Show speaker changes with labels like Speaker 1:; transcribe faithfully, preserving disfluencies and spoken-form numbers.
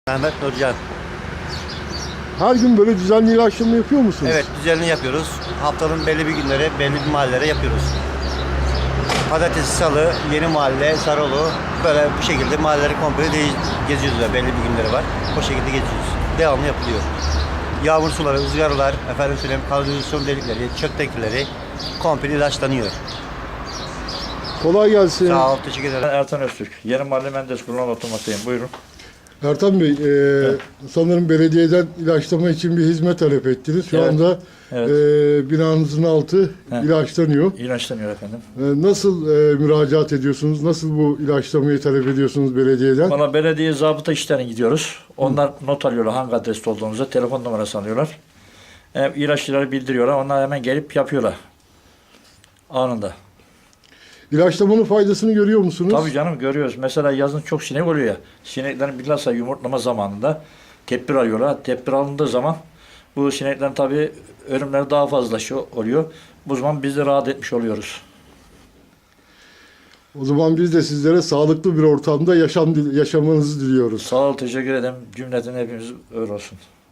Speaker 1: Mehmet Nurcan.
Speaker 2: Her gün böyle düzenli ilaçlama yapıyor musunuz?
Speaker 1: Evet, düzenli yapıyoruz. Haftanın belli bir günleri, belli bir mahallelere yapıyoruz. Pazartesi, Salı, Yeni Mahalle, Sarıoğlu, böyle bu şekilde mahalleleri komple değil, geziyoruz. Da. Belli bir günleri var. O şekilde geziyoruz. Devamlı yapılıyor. Yağmur suları, ızgaralar, efendim söyleyeyim, kanalizasyon delikleri, çöp tekneleri komple ilaçlanıyor.
Speaker 2: Kolay gelsin.
Speaker 1: Sağ ol, teşekkür ederim.
Speaker 3: Ben Ertan Öztürk. Yeni Mahalle Menderes Kurulu'na oturmaktayım. Buyurun.
Speaker 2: Ertan Bey, e, sanırım belediyeden ilaçlama için bir hizmet talep ettiniz. Şu
Speaker 3: Evet.
Speaker 2: anda
Speaker 3: Evet.
Speaker 2: e, binanızın altı
Speaker 3: He.
Speaker 2: ilaçlanıyor.
Speaker 3: İlaçlanıyor efendim.
Speaker 2: E, nasıl e, müracaat ediyorsunuz? Nasıl bu ilaçlamayı talep ediyorsunuz belediyeden?
Speaker 3: Valla belediye zabıta işlerine gidiyoruz. Onlar not alıyorlar hangi adreste olduğumuzu. Telefon numarası alıyorlar. E, ilaççıları bildiriyorlar. Onlar hemen gelip yapıyorlar. Anında.
Speaker 2: İlaçlamanın faydasını görüyor musunuz?
Speaker 3: Tabii canım görüyoruz. Mesela yazın çok sinek oluyor ya. Sineklerin bilhassa yumurtlama zamanında tedbir alıyorlar. Tedbir alındığı zaman bu sineklerin tabii ölümleri daha fazla şey oluyor. Bu zaman biz de rahat etmiş oluyoruz.
Speaker 2: O zaman biz de sizlere sağlıklı bir ortamda yaşam yaşamanızı diliyoruz.
Speaker 3: Sağ ol, teşekkür ederim. Cümleten hepimiz öyle olsun.